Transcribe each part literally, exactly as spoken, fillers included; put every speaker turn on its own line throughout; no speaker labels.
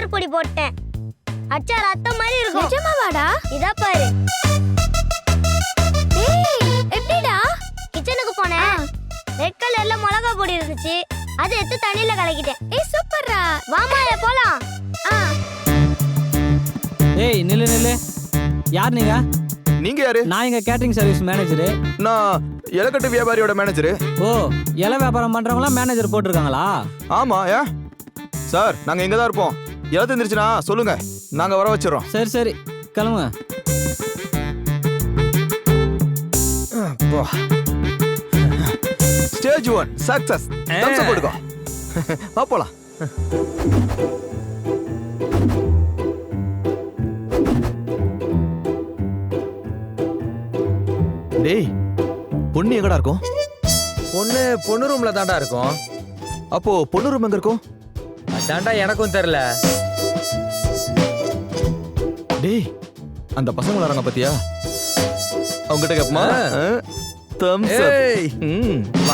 அச்சார் பொடி போட்டேன். அச்சார் அத்தை மாதிரி இருக்கும்.
நிஜமாவாடா?
இதா பாரு.
டேய் எப்படிடா?
கிச்சனுக்கு போனேன். ரெட் கலர்ல மிளகா பொடி இருந்துச்சு. அதை எடுத்து தண்ணியில கலக்கிட்டேன்.
ஏய் சூப்பர்ரா.
வாமா போலாம்.
ஆ.
ஏய் நில்லு நில்லு. யார் நீங்க?
நீங்க யாரு?
நான் எங்க கேட்டரிங் சர்வீஸ் மேனேஜரு.
நான் இலக்கட்டு வியாபாரியோட மேனேஜரு.
ஓ, இலை வியாபாரம் பண்றவங்களா மேனேஜர் போட்டிருக்காங்களா?
ஆமா. ஏ சார், நாங்க இங்க தான் இருப்போம். இலை தெரிஞ்சிருச்சுன்னா சொல்லுங்க, நாங்க வர வச்சிடறோம்.
சரி சரி கிளம்புங்க.
Stage one success. Thumbs up போடுங்க. வா போலாம். டேய், பொண்ணு எங்கடா இருக்கும்?
பொண்ணு பொண்ணு ரூம்ல தாண்டா இருக்கும்.
அப்போ பொண்ணு ரூம் எங்க இருக்கும்?
அதான்டா எனக்கும் தெரியல.
டேய், அந்த பசங்க வராங்க பாத்தியா? அவங்க கிட்ட கேப்பமா? தம்ஸ் அப்.
ஏய்
ம் வா.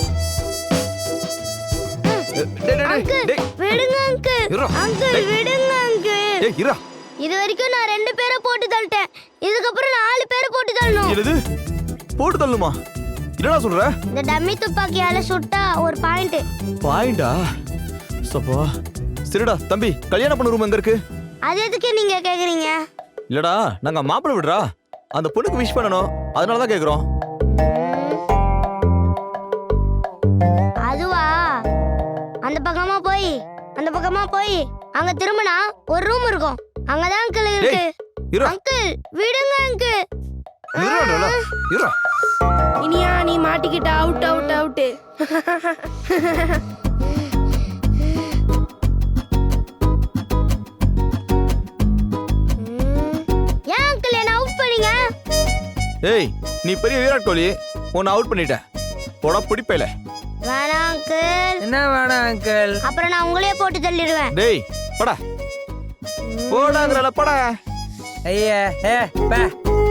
டேய் டேய் டேய்.
விடுங்க அங்கிள்.
இருடா.
அங்கிள் விடுங்க அங்கிள்.
டேய் இரா.
இது வரைக்கும் நான் ரெண்டு பேரை போட்டு தள்ளிட்டேன். இதுக்கப்புறம் நாலு பேரை போட்டு தள்ளணும்.
என்னது? போட்டு தள்ளுமா? என்னடா சொல்ற?
இந்த டம்மி துப்பாக்கியால சுட்டா ஒரு பாயிண்ட்.
பாயிண்டா? சப்பா. சரிடா தம்பி, கல்யாண பொண்ணு ரூம் எங்க இருக்கு?
அது எதுக்கு நீங்க கேக்குறீங்க?
இல்லடா, நாங்க மாப்பிள்ளை விடுறா. அந்த பொண்ணுக்கு விஷ் பண்ணணும், அதனால தான் கேக்குறோம்.
அதுவா? அந்த பக்கமா போய் அந்த பக்கமா போய் அங்க திரும்பினா ஒரு ரூம் இருக்கும். அங்கதான் அங்கிள் இருக்கு.
டேய், இரா.
அங்கிள் விடுங்க அங்கிள்.
இரா இரா.
இனியா நீ மாட்டிக்கிட்ட. Out out out.
ஏன் அங்கிள் என்ன அவுட் பண்ணீங்க?
ஏய், நீ பெரிய விராட் கோலி, உன்னை அவுட் பண்ணிட்ட. போடா பிடிப்பையில.
வேணாம் அங்கிள்.
என்ன வேணாம் அங்கிள்?
அப்புறம் நான் உங்களையே போட்டு தள்ளிடுவேன்.
டேய் படா. போடாங்கறல படா.
ஐயா ஏ பே.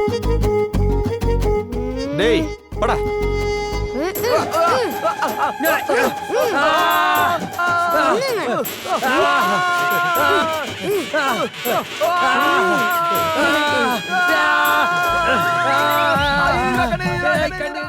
டேய் படா.
கண்ணு